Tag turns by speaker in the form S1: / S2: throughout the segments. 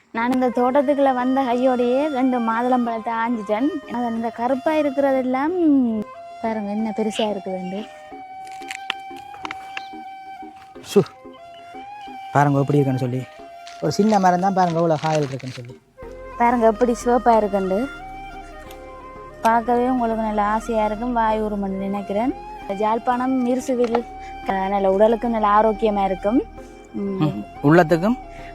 S1: நான் இந்த தோட்டத்துக்குள்ள வந்த கையோடையே 2 மாதுளம்பழத்தை ஆஞ்சிட்டேன். அது அந்த கருப்பா இருக்கிறதெல்லாம் பாருங்க என்ன பெருசா இருக்குதுண்டு.
S2: பாருங்க எப்படி இருக்குன்னு சொல்லி, ஒரு சின்ன மரம் தான் பாருங்க இவ்வளோ காயல் இருக்குன்னு சொல்லி.
S1: பாருங்க எப்படி சிவப்பா இருக்குண்டு. பார்க்கவே உங்களுக்கு நல்ல ஆசையா இருக்கும், வாய் ஊறும்னு நினைக்கிறேன். ஜாழ்ப்பாணம் மிருசுவில் நல்ல உடலுக்கு நல்ல ஆரோக்கியமா இருக்கும்,
S2: உள்ளத்துக்கும்.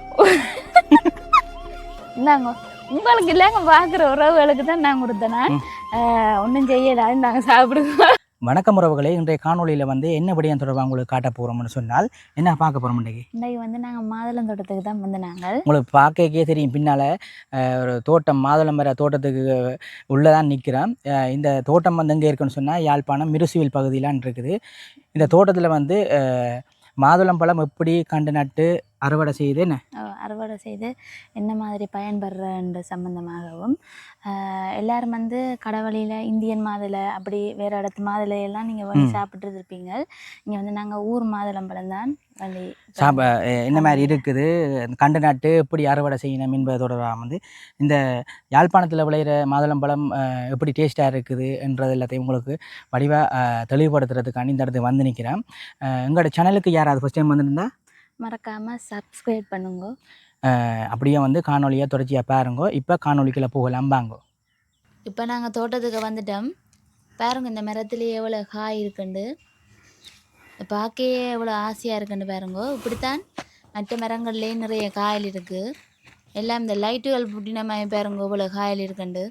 S1: இந்தாங்க உங்களுக்கு இல்லைங்க, பார்க்குற உறவுகளுக்கு தான் நான் கொடுத்தேன். ஒன்றும் செய்யலாது, நாங்கள் சாப்பிடுவோம்.
S2: வணக்கம் உறவுகளே, இன்றைய காணொலியில் வந்து என்ன விடயம் தொடர்பாக உங்களுக்கு காட்ட போகிறோம்னு சொன்னால் என்ன பார்க்க போகிறோம் இன்றைக்கு?
S1: இன்றைக்கு வந்து நாங்கள் மாதுளம் தோட்டத்துக்கு தான் வந்து நாங்கள்
S2: உங்களுக்கு பார்க்கவே தெரியும் பின்னால் ஒரு தோட்டம், மாதுளம் மர தோட்டத்துக்கு உள்ளே தான் நிற்கிறோம். இந்த தோட்டம் வந்து எங்கே இருக்குன்னு சொன்னால் யாழ்ப்பாணம் மிருசுவில் பகுதியிலான் இருக்குது. இந்த தோட்டத்தில் வந்து மாதுளம் பழம் எப்படி கண்டு நட்டு அறுவடை செய்து
S1: அறுவடை செய்து என்ன மாதிரி பயன்படுறன்ற சம்பந்தமாகவும் எல்லாரும் வந்து கடவழியில் இந்தியன் மாதுளை அப்படி வேறு இடத்து மாதுளையெல்லாம் நீங்கள் வந்து சாப்பிட்டு இருப்பீங்க. இங்கே வந்து நாங்கள் ஊர் மாதுளம்பழம் தான் வந்து
S2: என்ன மாதிரி இருக்குது, கண்டு நட்டு எப்படி அறுவடை செய்யணும் என்பதோட வந்து இந்த யாழ்ப்பாணத்தில் விளையிற மாதுளம்பழம் எப்படி டேஸ்ட்டாக இருக்குது என்றது எல்லாத்தையும் உங்களுக்கு வடிவாக தெளிவுபடுத்துறதுக்காண்டி இந்த இடத்துக்கு வந்து நிற்கிறேன். எங்களோட சேனலுக்கு யாராவது ஃபஸ்ட் டைம் வந்துருந்தா
S1: மறக்காமல் சப்ஸ்கிரைப் பண்ணுங்க.
S2: அப்படியே வந்து காணொலியாக தொடர்ச்சியாக பாருங்க. இப்போ காணொலிக்குள்ளே போகலாம் வாங்க.
S1: இப்போ நாங்கள் தோட்டத்துக்கு வந்துட்டோம். பாருங்க இந்த மரத்துலேயே எவ்வளோ காய் இருக்குண்டு, பார்க்கவே எவ்வளோ ஆசையாக இருக்குண்டு பாருங்க. இப்படித்தான் மற்ற மரங்கள்லேயே நிறைய காயல் இருக்குது. எல்லாம் இந்த லைட்டுகள் புட்டின மாதிரி பாருங்க இவ்வளோ காயல் இருக்குண்டு.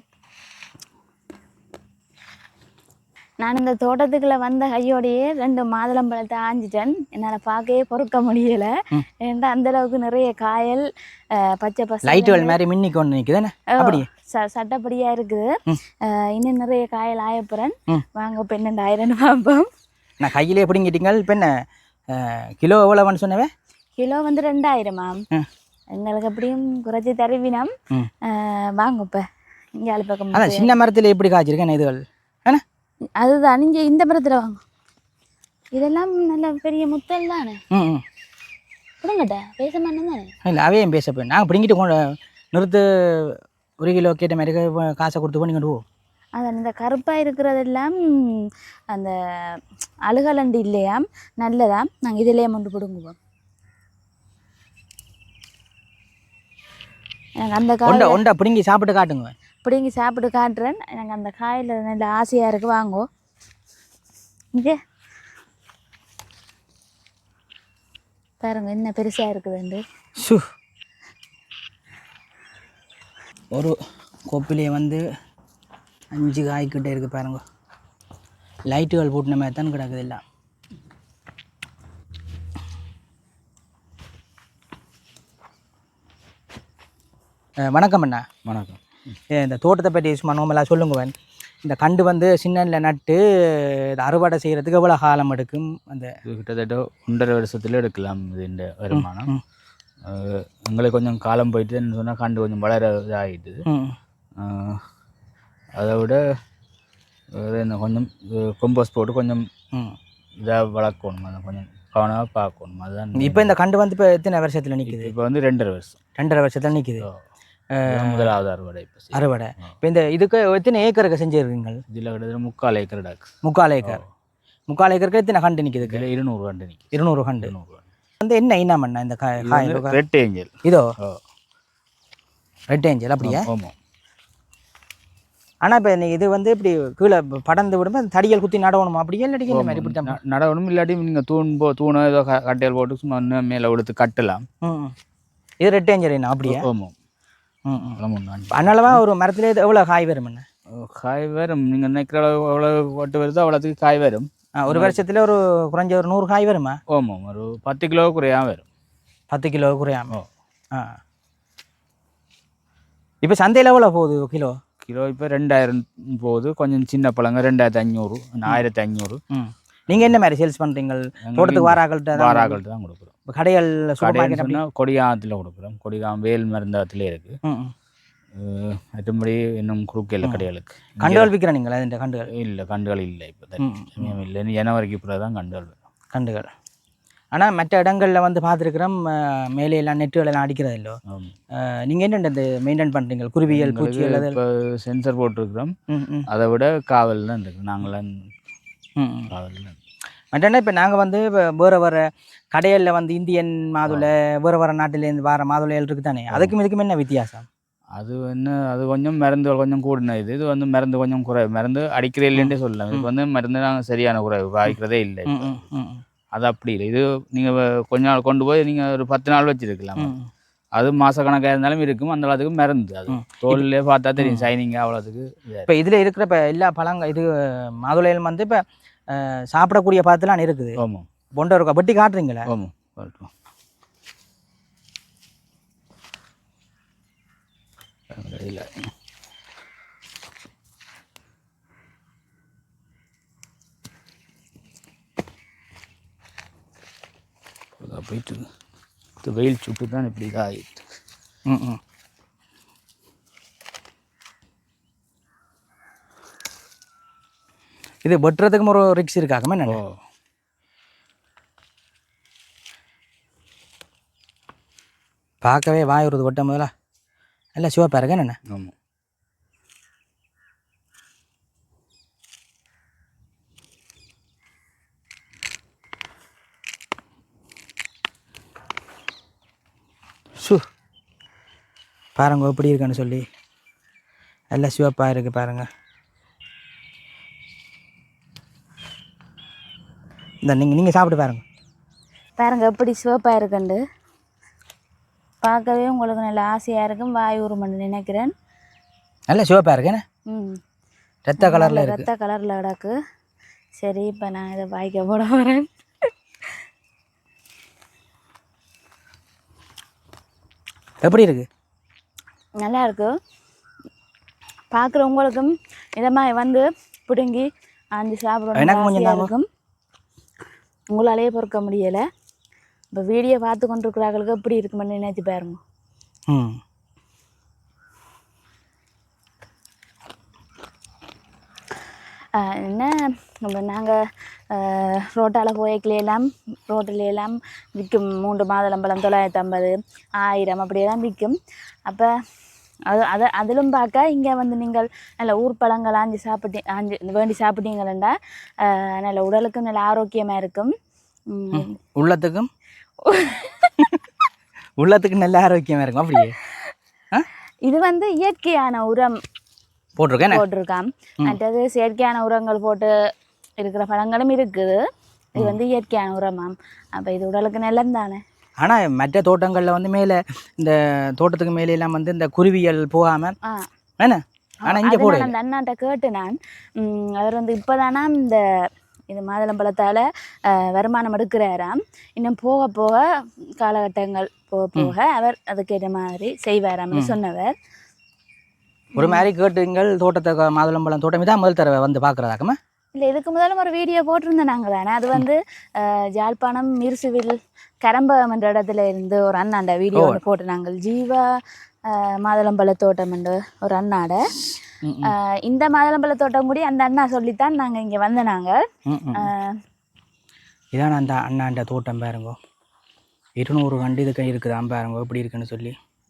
S1: நான் இந்த தோட்டத்துக்குள்ள வந்த கையோடையே 2 மாதுளம்பழத்தை ஆஞ்சிட்டேன். என்னால் பார்க்கவே பொறுக்க முடியலை, ஏன்னா அந்த அளவுக்கு நிறைய காயல் பச்சை பசை
S2: லைட்டுகள் மாதிரி மின்னி கொண்டு நிற்குதுன்னு அப்படியே
S1: சட்டப்படியா இருக்குது. இன்னும் நிறைய காயல் ஆயப்புறேன். வாங்க இப்போ என்னென்ன பார்ப்போம்.
S2: நான் கையிலே எப்படிங்கிட்டீங்க? இப்போ என்ன கிலோ எவ்வளோன்னு சொன்னவே?
S1: கிலோ வந்து 2000 எங்களுக்கு எப்படியும் குறைச்சி தருவினம். வாங்க இப்போ இங்கே பக்கம்
S2: அதான் சின்ன மரத்தில் எப்படி காய்ச்சிருக்கேன் இதுகள் ஏன்னா
S1: அதுதான் நீங்க இந்த மரத்துல வாங்க. இதெல்லாம் நல்ல பெரிய முத்தல் தானே. பிடுங்கட்ட பேச மாட்டேன் தானே.
S2: இல்லை அவையும் பேச போய் நாங்கள் பிடிங்கிட்டு கொண்டு நிறுத்து 1 கிலோ கேட்ட மாதிரி காசை கொடுத்து பண்ணிக்கிட்டு போவோம்.
S1: அதான் இந்த கருப்பாக இருக்கிறதெல்லாம் அந்த அழுகலண்டு இல்லையாம், நல்லதாம். நாங்கள் இதிலேயே கொண்டு பிடுங்குவோம். எனக்கு அந்த காய்
S2: ஒண்டா பிடுங்கி சாப்பிட்டு காட்டுங்க.
S1: பிடுங்கி சாப்பிட்டு காட்டுறேன். எனக்கு அந்த காயில் நல்ல ஆசையாக இருக்குது, வாங்கோ. இங்கே பாருங்க என்ன பெருசாக இருக்குதுண்டு.
S2: ஒரு கொப்பிலே வந்து 5 காய்கிட்டே இருக்குது பாருங்க. லைட்டுகள் போட்டின மாதிரி தான் கிடக்குது எல்லாம். வணக்கம் அண்ணா.
S3: வணக்கம்.
S2: இந்த தோட்டத்தை பற்றி சும்மா நோமெல்லாம் சொல்லுங்கவன். இந்த கண்டு வந்து சின்னல நட்டு அறுவடை செய்கிறதுக்கு எவ்வளோ காலம் எடுக்கும்? அந்த
S3: கிட்டத்தட்ட 1.5 வருஷத்தில் எடுக்கலாம். இது இந்த வருமானம் எங்களுக்கு கொஞ்சம் காலம் போயிட்டுன்னு சொன்னால் கண்டு கொஞ்சம் வளர இதாகிட்டுது. அதை விட இந்த கொஞ்சம் கொம்போஸ் போட்டு கொஞ்சம் இதாக வளர்க்கணும், அதை கொஞ்சம் கவனமாக பார்க்கணும். அதுதான்.
S2: இப்போ இந்த கண்டு வந்து இப்போ எத்தனை வருஷத்தில் நிற்குது?
S3: இப்போ வந்து 2.5 வருஷம்.
S2: 2.5 வருஷத்தில் நிற்குது
S3: முதலாவது அறுவடை.
S2: அறுவடை இப்போ இந்த இதுக்கு எத்தனை ஏக்கருக்கு செஞ்சுருக்கீங்க?
S3: இதில் கிட்டத்தட்ட 3/4 ஏக்கர் டாக்ஸ்.
S2: 3/4 ஏக்கர். 3/4 ஏக்கருக்கு எத்தனை கண்டு நிற்குதுக்கு?
S3: 200 கண்டு நிற்குது.
S2: 200 கண்டு வந்து என்ன இனமண்ணா இந்த காய்?
S3: Red angel.
S2: இதோ ரெட் ஏஞ்சல் அப்படியா?
S3: ஆமாம்.
S2: ஆனால் இப்போ இது வந்து இப்படி கீழே படர்ந்து விடும்போது தடிகள் குத்தி நடவணுமா? அப்படியே இல்லாட்டி இந்த மாதிரி இப்படி தான்
S3: நடவணும். இல்லாட்டி நீங்கள் தூணோ ஏதோ கட்டையல் போட்டு சும்மா இன்னும் மேலே எடுத்து கட்டலாம்.
S2: இது ரெட் ஏஞ்சல் என்ன அப்படியா?
S3: ஆமாம்.
S2: அதனாலவா ஒரு மரத்துல எவ்வளோ காய் வரும்? என்ன
S3: காய் வரும், நீங்கள் நினைக்கிற அளவு எவ்வளோ ஒட்டு வருதோ அவ்வளோத்துக்கு காய் வரும்.
S2: ஒரு வருஷத்துல ஒரு குறைஞ்ச ஒரு 100 காய் வருமா?
S3: ஆமாம், ஒரு 10 கிலோ குறையாம வரும்.
S2: 10 கிலோ குறையாம. இப்போ சந்தையில் எவ்வளோ போகுது கிலோ?
S3: கிலோ இப்போ 2000 போகுது. கொஞ்சம் சின்ன பழங்க 2500, 1500.
S2: நீங்கள் என்ன மாதிரி சேல்ஸ் பண்ணுறீங்க? தோட்டத்துக்கு வாராக்கள்கிட்ட
S3: தான் கொடுக்குறோம்.
S2: இப்போ கடைகள்
S3: கொடிகாமத்தில் கொடுக்குறோம். கொடிகாம் வேல் மருந்தகத்திலே இருக்குது. மற்றபடி இன்னும் குறுக்கையில் கடைகளுக்கு
S2: கண்டுகள் விற்கிறேன். நீங்கள் இந்த கண்டுகள்
S3: இல்லை, கண்டுகள் இல்லை. இப்போ இல்லை, ஜனவரிக்கு பிறகு தான் கண்டுகள் வரும்.
S2: கண்டுகள் ஆனால் மற்ற இடங்களில் வந்து பார்த்துருக்குறோம் மேலே எல்லாம் நெட்டுகள் எல்லாம் அடிக்கிறது இல்லோ. நீங்கள் என்ன இந்த மெயின்டைன் பண்ணுறீங்க குருவியல் பூச்சி அல்லது
S3: இப்போ சென்சர் போட்டிருக்கிறோம். அதை விட காவல் தான் இருக்குது. நாங்களாம் காவல் தான்.
S2: மற்றனா இப்போ நாங்கள் வந்து வேறு வேறு கடைகளில் வந்து இந்தியன் மாதுளை வேறு நாட்டிலேருந்து வர மாதுளைகள் இருக்குது தானே, அதுக்கும் இதுக்கும் என்ன வித்தியாசம்?
S3: அது அது கொஞ்சம் மருந்து கொஞ்சம் கூடின இது வந்து மருந்து கொஞ்சம் குறைவு. மருந்து அடிக்கிறே இல்லைன்றே சொல்லலாம். இதுக்கு வந்து மருந்து நாங்கள் சரியான குறைவு பாய்க்கிறதே இல்லை. அது அப்படி இல்லை. இது நீங்கள் கொஞ்ச நாள் கொண்டு போய் நீங்கள் ஒரு 10 நாள் வச்சுருக்கலாம். அது மாதக்கணக்காக இருந்தாலும் இருக்கும். அந்த அளவுக்கு மருந்து அது தோல்லே பார்த்தா தெரியும் ஷைனிங்காக அவ்வளோத்துக்கு.
S2: இப்போ இதில் இருக்கிற இப்போ எல்லா பழங்கள் இது மாதுளைகள் வந்து இப்போ சாப்பிடக்கூடிய பழத்தெல்லாம் இருக்குது.
S3: ஆமாம்.
S2: பொண்டை இருக்கா வெட்டி காட்டுறீங்களா?
S3: ஆமாம் காட்டுறோம். இல்லை போயிட்டு இது வெயில் சுட்டு தான் இப்படி தான் ஆகிட்டு.
S2: இது வெட்டுறதுக்கும் ஒரு ரிக்ஸ் இருக்காக்குமே என்ன? பார்க்கவே வாய் வருது வெட்டும் போதெல்லாம் நல்லா சிவப்பாக இருக்கேன் என்ன?
S3: ஆமாம்.
S2: பாருங்க எப்படி இருக்குன்னு சொல்லி நல்லா சிவப்பாக இருக்குது பாருங்கள். இந்த நீங்கள் சாப்பிட்டு
S1: பாருங்கள் எப்படி சிவப்பாக இருக்குண்டு. பார்க்கவே உங்களுக்கு நல்ல ஆசையாக இருக்கும். வாய் உருமன்னு நினைக்கிறேன்.
S2: நல்ல சிவப்பாக இருக்கேன்னு. ரத்த கலரில் இருக்குது.
S1: ரத்த கலரில் கிடக்கு. சரி இப்போ நான் இதை வாய்க்க போட வரேன்.
S2: எப்படி இருக்குது?
S1: நல்லா இருக்கு. பார்க்குறவங்களுக்கும் இதை மாதிரி வந்து பிடுங்கி ஆஞ்சி சாப்பிடணும் இருக்கும். உங்களாலேயே பொறுக்க முடியலை. இப்போ வீடியோ பார்த்து கொண்டிருக்கிறார்களுக்கு எப்படி இருக்குமென்னு நினைச்சு பாருங்க. என்ன நம்ம நாங்கள் ரோட்டால் போய்க்கலையெல்லாம் ரோட்டிலெல்லாம் விற்கும். 3 மாதுளம்பழம் 950, 1000 அப்படியெல்லாம் விற்கும். அப்போ அதிலும் பார்க்க இங்கே வந்து நீங்கள் நல்ல ஊர் பழங்கள் வேண்டி சாப்பிட்டீங்களா நல்ல உடலுக்கும் நல்ல ஆரோக்கியமாக இருக்கும்.
S2: உள்ளத்துக்கு நல்ல ஆரோக்கியமாக இருக்கும். அப்படியே
S1: இது வந்து இயற்கையான உரம் போட்டிருக்கான். மற்றது செயற்கையான உரங்கள் போட்டு இருக்கிற பழங்களும் இருக்குது. இது வந்து இயற்கையான உரமாம். அப்போ இது உடலுக்கு நல்லது தானே.
S2: ஆனால் மற்ற தோட்டங்களில் வந்து மேலே இந்த தோட்டத்துக்கு மேலே வந்து இந்த குருவியல் போகாமல் என்ன ஆனால் இங்கே போட
S1: அந்த அண்ணாட்ட கேட்டு நான் அவர் வந்து இப்போதானா இந்த இது மாதுளம்பழத்தால் வருமானம் எடுக்கிறாராம். இன்னும் போக போக காலகட்டங்கள் போக போக அவர் அதுக்கேற்ற மாதிரி செய்வாராம்னு சொன்னவர்.
S2: ஒரு மாதிரி கேட்டுங்கள் தோட்டத்தை மாதுளம்பழம் தோட்டம் இதான் முதல் தடவை வந்து பார்க்குறதாக்கமா?
S1: இல்லை, இதுக்கு முதல்ல ஒரு வீடியோ போட்டிருந்தேன் நாங்கள் தானே. அது வந்து ஜாழ்ப்பாணம் மிர்சுவில் கரம்பகம் என்ற இடத்துல இருந்து ஒரு அண்ணாண்ட வீடியோ போட்டு நாங்கள் ஜீவா மாதுளம்பழ தோட்டம் என்று ஒரு அண்ணாட இந்த மாதுளம்பழ தோட்டம் கூடி அந்த அண்ணா சொல்லித்தான் நாங்கள் இங்கே வந்த நாங்கள்.
S2: இதான் அந்த அண்ணாண்ட தோட்டம் பாருங்க. 200 கண்டு இதுக்கு இருக்குதான் பாருங்க எப்படி இருக்குன்னு சொல்லி.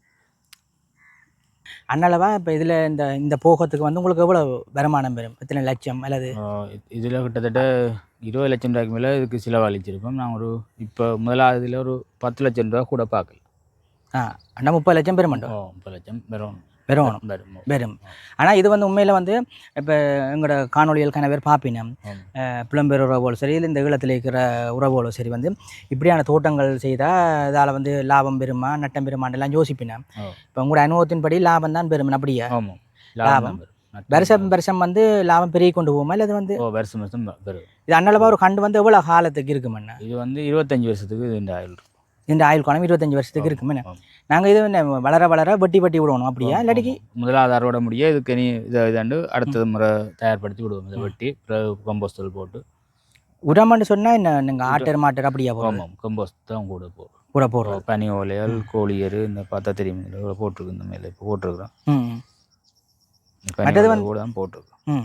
S2: அதனாலவா இப்போ இதில் இந்த போகத்துக்கு வந்து உங்களுக்கு எவ்வளோ வருமானம் பெறும்? எத்தனை லட்சம் அல்லது?
S3: இதில் கிட்டத்தட்ட 20 லட்சம் ரூபாய்க்கு மேலே இதுக்கு செலவழிச்சிருப்போம். நான் இப்போ முதலாவதுல ஒரு 10 லட்சம் ரூபா கூட பார்க்கல.
S2: அண்ணா 30 லட்சம் பெற மாட்டோம்.
S3: 30 லட்சம் பெறும்.
S2: ஆனால் இது வந்து உண்மையில் வந்து இப்போ எங்களோட காணொலிகள் கனவேர் பார்ப்பினம் புலம்பெயர் உறவுகளோ சரி இல்லை இந்த ஈழத்தில் இருக்கிற உறவுகளோ சரி வந்து இப்படியான தோட்டங்கள் செய்தால் இதால் வந்து லாபம் பெறுமா நட்டம் பெறுமான்லாம் யோசிப்பினேன். இப்போ உங்களோட அனுபவத்தின்படி லாபம் தான் பெறும். அப்படியா? லாபம் வருஷம் வந்து லாபம் பெருகி கொண்டு போகுமா இல்லை? இது வந்து
S3: வருஷம் பெறும்.
S2: இது அண்ணளவா ஒரு கண்டு வந்து எவ்வளோ காலத்துக்கு இருக்குமெண்ணா?
S3: இது வந்து 25 வருஷத்துக்கு
S2: இந்த ஆயுள் காலம் 25 வருஷத்துக்கு இருக்குமே. நாங்கள் இது வளர வளர வெட்டி விடணும். அப்படியா? இல்லாட்டிக்கு
S3: முதலாவது அறுவடை முடிய இதுக்கு நீ இதாண்டு அடுத்தது முறை தயார்படுத்தி விடுவோம். இதை வெட்டி கம்போஸ்டல் போட்டு
S2: உரம்னு சொன்னால் என்ன நீங்கள் ஆட்டர் மாட்டர் அப்படியா?
S3: போகும் கம்போஸ்ட் தான் கூட போடுறோம். பனி ஓலையால் கோழியர் இந்த பார்த்தா தெரியும் போட்டிருக்கு. இந்த மேலே இப்போ போட்டிருக்கிறோம்.
S2: மற்றது
S3: கூட தான் போட்டிருக்கோம்.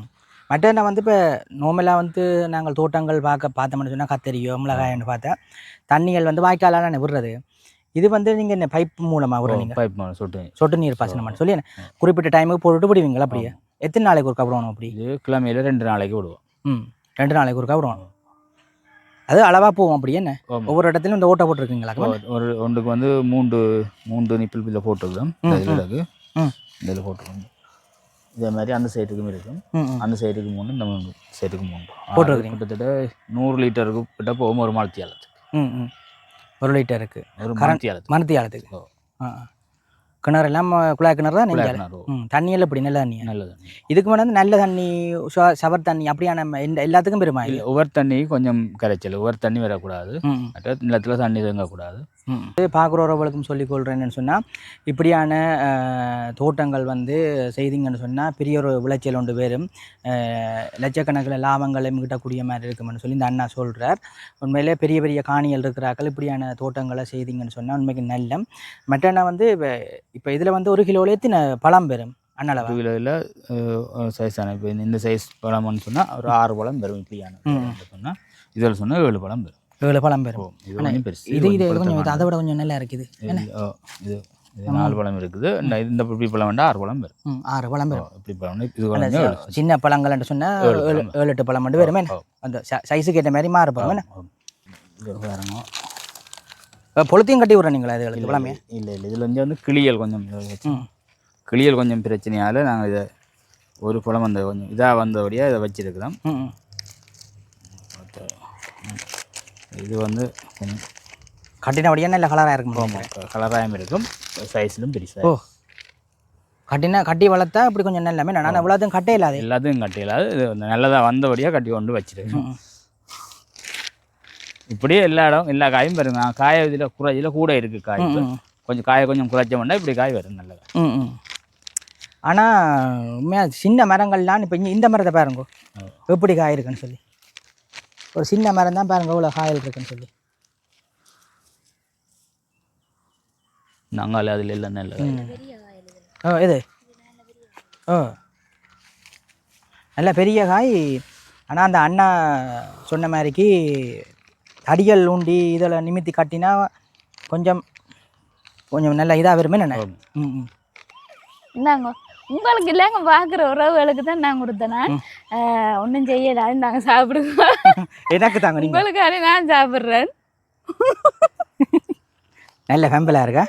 S2: மற்ற என்ன வந்து இப்போ நார்மலாக வந்து நாங்கள் தோட்டங்கள் பார்த்தோம்னு சொன்னால் கத்தரியோ மிளகாயன்னு பார்த்தா தண்ணிகள் வந்து வாய்க்காலான விடுறது. இது வந்து நீங்கள் என்ன பைப் மூலமாக விடுறீங்க?
S3: பைப்
S2: சொட்டு நீர் பாசனம் சொல்லி குறிப்பிட்ட டைமுக்கு போட்டுட்டு விடுவீங்களா? அப்படியே எத்தனை நாளைக்கு ஒருக்கா விடணும்? அப்படி
S3: இது கிழமையில் 2 நாளைக்கு விடுவோம்.
S2: 2 நாளைக்கு ஒருக்கா விடுவோம். அது அளவாக போவோம் அப்படி என்ன? ஒவ்வொரு இடத்துலையும் இந்த ஓட்டை போட்டிருக்கீங்களா?
S3: ஒன்றுக்கு வந்து 3 நிப்பிள் பில்ல போட்டுருக்கோம். இதில் போட்டுருக்கோம். இதே மாதிரி அந்த சைடுக்கும் இருக்கும். அந்த சைடுக்கு 3, இந்த சைடுக்கு 3 போட்டுருக்கீங்க. கிட்டத்தட்ட 100 லிட்டருக்கு கிட்ட போகும் ஒரு மரத்தியாலத்துக்கு.
S2: 1 லிட்டருக்கு
S3: ஒரு
S2: மரத்தியாலத்துக்கு. கிணறு எல்லாம் குழாய் கிணறு தான் நீங்கள்? தண்ணியெல்லாம் இப்படி நல்ல தண்ணி?
S3: நல்லது.
S2: இதுக்கு முன்னாடி நல்ல தண்ணி, சவர் தண்ணி அப்படியான எல்லாத்துக்கும் பெருமா?
S3: இல்லை, ஒவ்வொரு தண்ணி கொஞ்சம் கரைச்சல், ஒவ்வொரு தண்ணி வரக்கூடாது, மற்ற நிலத்தில் தண்ணி தங்கக்கூடாது.
S2: பார்க்குறவர்களுக்கும் சொல்லிக்கொள்கிறேன் என்னென்னு சொன்னால், இப்படியான தோட்டங்கள் வந்து செய்திங்கன்னு சொன்னால் பெரிய ஒரு விளைச்சல் ஒன்று பேரும் லட்சக்கணக்கில் லாபங்களை கிட்டக்கூடிய மாதிரி இருக்குமென்னு சொல்லி இந்த அண்ணா சொல்கிறார். உண்மையிலே பெரிய பெரிய காணிகள் இருக்கிறார்கள். இப்படியான தோட்டங்களை செய்திங்கன்னு சொன்னால் உண்மைக்கு நல்ல. மற்றன்னா வந்து இப்போ இதில் வந்து 1 கிலோவில் எத்தனை பழம் பெறும்? அண்ணளவா
S3: 1 கிலோவில் சைஸான இப்போ இந்த சைஸ் பழம்னு சொன்னால் ஒரு 6 பழம் பெறும். இப்படியான சொன்னால் இதில் சொன்னால் 7 பழம் பெறும்.
S2: 7 பழம் பெறும்.
S3: இது கொஞ்சம் பெருசு.
S2: இது கொஞ்சம் அதை விட கொஞ்சம் நல்லா இருக்குது.
S3: இது 4 பழம் இருக்குது. இந்த இப்படி பழம் வேண்டாம் 6 பழம் பெறும்.
S2: 6 பழம் பெறும்.
S3: இப்படி பழம் இது
S2: சின்ன பழங்கள்னு சொன்னால் 7-8 பழம் மட்டும் வருமே. அந்த சைஸுக்கு ஏற்ற மாதிரி மாறுபடும்.
S3: இது பாருங்க,
S2: பொழுத்தையும் கட்டி விட்றீங்களா இதுகளுக்கு பழமே?
S3: இல்லை, இதில் வந்து கிளியல் கொஞ்சம் கிளியல் கொஞ்சம் பிரச்சனையால் நாங்கள் இதை ஒரு பழம் அந்த கொஞ்சம் இதாக வந்தபடியாக இதை வச்சுருக்கிறோம். இது வந்து கொஞ்சம்
S2: கட்டினபடியாக நல்ல கலராக இருக்கும்.
S3: கலராகவும் இருக்கும், சைஸ்லும் பெருசாக.
S2: கட்டி வளர்த்தா இப்படி கொஞ்சம் நல்லாமே. நான் எவ்வளோத்தையும் கட்டே இல்லாது,
S3: எல்லாத்தையும் கட்டி இல்லாது, இது நல்லதாக வந்தபடியாக கட்டி கொண்டு வச்சுருக்கேன். இப்படியே எல்லா இடம் எல்லா காயும் வருங்க. காய இதில் கூட இருக்குது காய். கொஞ்சம் காயை கொஞ்சம் குறைச்சோம்னா இப்படி காய் வரும் நல்லதா.
S2: ஆனால் உண்மையாக சின்ன மரங்கள்லாம் இப்போ இந்த மரத்தை பாருங்க எப்படி காய் இருக்குன்னு சொல்லி. ஒரு சின்ன மரம் தான் பாருங்க இவ்வளோ காயல் இருக்குன்னு சொல்லி.
S3: நாங்கள் அதில் எல்லாம் நல்ல
S2: இது நல்ல பெரிய காய். ஆனால் அந்த அண்ணா சொன்ன மாதிரிக்கு தடிகள் ஊண்டி இதில் நிமித்தி கட்டினா கொஞ்சம் நல்ல இதாக வருமே. என்ன
S1: இந்தாங்க உங்களுக்கு இல்லைங்க, பார்க்குற உறவுகளுக்கு தான் நான் கொடுத்தேன். நான் ஒன்றும் செய்யலாது, நாங்கள் சாப்பிடுவோம்.
S2: எனக்கு தாங்க
S1: உங்களுக்காக நான் சாப்பிட்றேன்.
S2: நல்ல ஃபேம்பிளாக இருக்கா.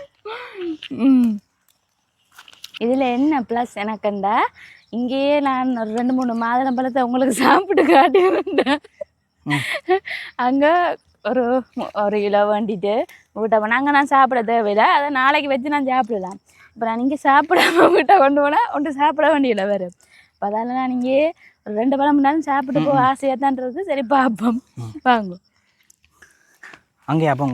S1: இதில் என்ன ப்ளஸ் எனக்குண்டா, இங்கேயே நான் ஒரு 2-3 மாதுளம் பழத்தை உங்களுக்கு சாப்பிட்டு காட்டியிருந்தேன். அங்கே ஒரு கிலோ வேண்டிட்டு வீட்டை போனால் நான் சாப்பிட தேவையில்லை, அதை நாளைக்கு வச்சு நான் சாப்பிடலாம். இப்போ நான் இங்கே சாப்பிடாம வீட்டை கொண்டு போனால் ஒன்று சாப்பிட வேண்டியதில்லை வேறு. இப்போ அதால் நான் இங்கே ஒரு 2 பழம் முன்னாலும் சாப்பிட்டு போக ஆசையாக தான் இருக்குது. சரி பார்ப்போம், வாங்க
S2: அங்கேயா போங்க.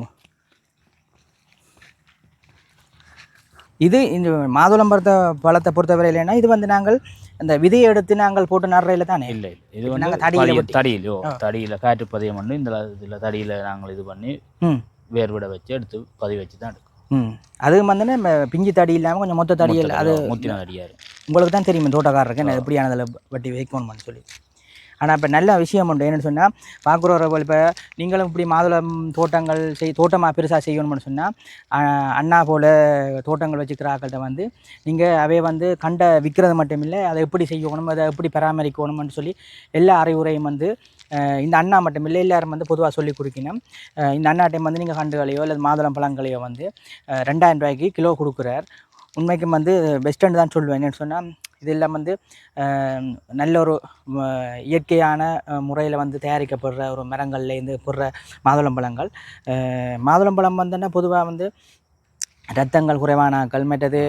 S2: இது இந்த மாதுளம்பழத்தை பழத்தை பொறுத்தவரை இல்லைன்னா இது வந்து நாங்கள் அந்த விதையை எடுத்து நாங்கள் போட்டு நடுறையில் தானே?
S3: இல்லை, இது வந்து தடியில் காற்று பதியம் பண்ணி இதில் தடியில் நாங்கள் இது பண்ணி வேர்விட வச்சு எடுத்து பதிவு வச்சு தான் எடுக்கும்.
S2: அது வந்து பிஞ்சு தடி இல்லாமல் கொஞ்சம் மொத்த தடியில் அது
S3: முத்தின தடியாக
S2: உங்களுக்கு தான் தெரியும் தோட்டக்காரருக்கு என்ன எப்படியானதில் வட்டி வைக்கணும்னு சொல்லி. ஆனால் இப்போ நல்ல விஷயம் உண்டு. என்னென்னு சொன்னால் பார்க்குறவர்கள் இப்போ நீங்களும் இப்படி மாதுளம் தோட்டங்கள் தோட்டமாக பெருசாக செய்யணும்னு சொன்னால் அண்ணா போல் தோட்டங்கள் வச்சுக்கிற ஆக்கள்கிட்ட வந்து நீங்கள் அவை வந்து விற்கிறது மட்டும் இல்லை, அதை எப்படி செய்யணும், அதை எப்படி பராமரிக்கணும்னு சொல்லி எல்லா அறிவுரையும் வந்து இந்த அண்ணா மட்டும் இல்லை எல்லாரும் வந்து பொதுவாக சொல்லி கொடுக்கணும். இந்த அண்ணா டைம் வந்து நீங்கள் கண்டுகளையோ அல்லது மாதுளம் பழங்களையோ வந்து 2000 ரூபாய்க்கு கிலோ கொடுக்குறார். உண்மைக்கும் வந்து பெஸ்ட்டுன்னு தான் சொல்லுவேன். என்னென்னு சொன்னால் இதெல்லாம் வந்து நல்ல ஒரு இயற்கையான முறையில் வந்து தயாரிக்கப்படுற ஒரு மரங்கள்லேருந்து போடுற மாதுளம்பழங்கள். மாதுளம்பழம் வந்துன்னா பொதுவாக வந்து இரத்தங்கள் குறைவானாக்கள், மற்றது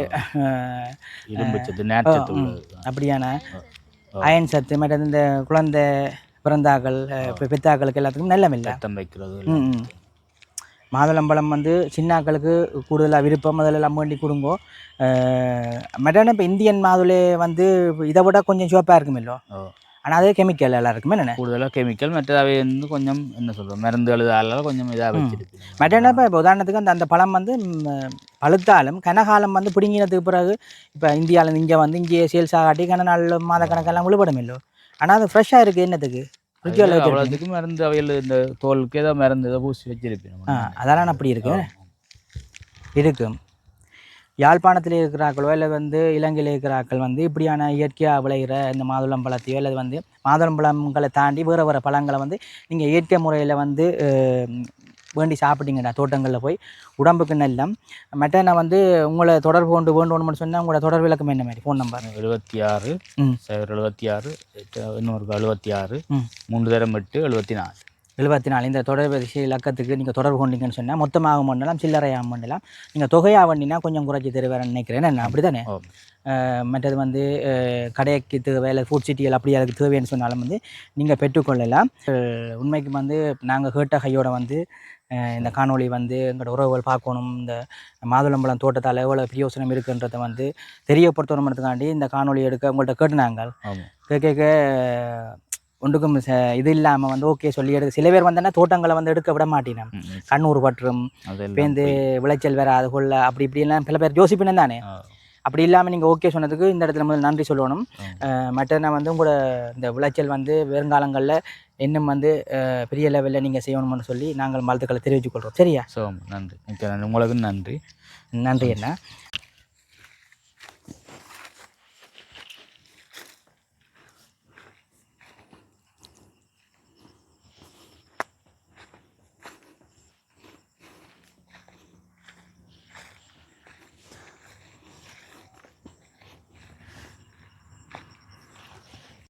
S2: அப்படியான அயன் சத்து, மற்றது இந்த குழந்தை பிறந்தாக்கள் பெத்தாக்களுக்கு எல்லாத்துக்கும் நல்ல இல்லை வைக்கிறது. மாதுளம்பழம் வந்து சின்னாக்களுக்கு கூடுதலாக விருப்பம் முதல்ல வேண்டி கொடுங்கோ. மற்ற இப்போ இந்தியன் மாதுளை வந்து இதை விட கொஞ்சம் சிவப்பாக இருக்கும் இல்லோ, ஆனால் அதே கெமிக்கல் எல்லாம் இருக்குமே. என்ன
S3: கூடுதலாக கெமிக்கல் மற்றவை வந்து கொஞ்சம் என்ன சொல்கிறோம் மருந்து எழுதால கொஞ்சம் இதாக வச்சுருக்கு.
S2: மற்ற இப்போ உதாரணத்துக்கு அந்த பழம் வந்து பழுத்தாலும் கனகாலம் வந்து பிடுங்கினதுக்கு பிறகு இப்போ இந்தியாவிலேருந்து இங்கே வந்து இங்கே சேல்ஸ் ஆகாட்டி கன நாள் மாத கணக்கெல்லாம் விழுபடும் இல்லோ. ஆனால் அது ஃப்ரெஷ்ஷாக இருக்குது என்னத்துக்கு ஃப்ரிட்ஜில் வச்சு
S3: அவ்வளோத்துக்கு மருந்து அவையில் இந்த தோலுக்கு ஏதோ மருந்து ஏதோ பூசி வச்சிருப்பேன்.
S2: அதெல்லாம் அப்படி இருக்கும். யாழ்ப்பாணத்தில் இருக்கிறாக்களோ இல்லை வந்து இலங்கையில் இருக்கிறாக்கள் வந்து இப்படியான இயற்கையாக விளைகிற இந்த மாதுளம்பழத்தையோ இல்லை வந்து மாதுளம்பழங்களை தாண்டி வேறு பழங்களை வந்து நீங்கள் இயற்கை முறையில் வந்து வேண்டி சாப்பிட்டீங்கடா தோட்டங்களில் போய் உடம்புக்கு நல்லம். மற்ற நான் வந்து உங்களை தொடர்பு கொண்டு வேண்டும்னு சொன்னால் உங்களோட தொடர்பு விளக்கம் என்ன மாதிரி ஃபோன் நம்பர்
S3: 76 76 இன்னொரு 76 3
S2: 74 இந்த தொடர்பு இலக்கத்துக்கு நீங்கள் தொடர்பு கொண்டீங்கன்னு சொன்னால் மொத்தமாக பண்ணலாம் சில்லறையாக பண்ணலாம். நீங்கள் தொகையாக வண்டினா கொஞ்சம் குறைச்சி தருவேன்னு நினைக்கிறேன். என்ன அப்படி தானே? மற்றது வந்து கடைக்கு தேவை இல்லை ஃபுட் சிட்டிகள் அப்படி அதுக்கு தேவைன்னு சொன்னாலும் வந்து நீங்கள் பெற்றுக்கொள்ளலாம். உண்மைக்கு வந்து நாங்கள் கேட்ட கையோட வந்து இந்த காணொளி வந்து எங்களோட உறவுகள் பார்க்கணும், இந்த மாதுளம்பழம் தோட்டத்தால் எவ்வளோ பிரயோசனம் இருக்குன்றதை வந்து தெரியப்படுத்தணுன்றதுக்காண்டி இந்த காணொளி எடுக்க உங்கள்கிட்ட கேட்டுனாங்க. கேட்க ஒன்றுக்கும் இது இல்லாமல் வந்து ஓகே சொல்லி எடுக்க சில பேர் வந்தேன்னா தோட்டங்களை வந்து எடுக்க விட மாட்டேன், கண்ணூர் பற்றும் பேருந்து விளைச்சல் வேற அது கொள்ள அப்படி இப்படிலாம் சில பேர் யோசிப்பினு தானே. அப்படி இல்லாமல் நீங்கள் ஓகே சொன்னதுக்கு இந்த இடத்துல முதல் நன்றி சொல்லணும். மற்ற வந்து உங்களோட இந்த விளைச்சல் வந்து வருங்காலங்களில் இன்னும் வந்து பெரிய லெவலில் நீங்கள் செய்யணும்னு சொல்லி நாங்கள் வாழ்த்துக்களை தெரிவித்துக் கொள்கிறோம். சரியா?
S3: நன்றி உங்களுக்கு நன்றி
S2: நன்றி. என்ன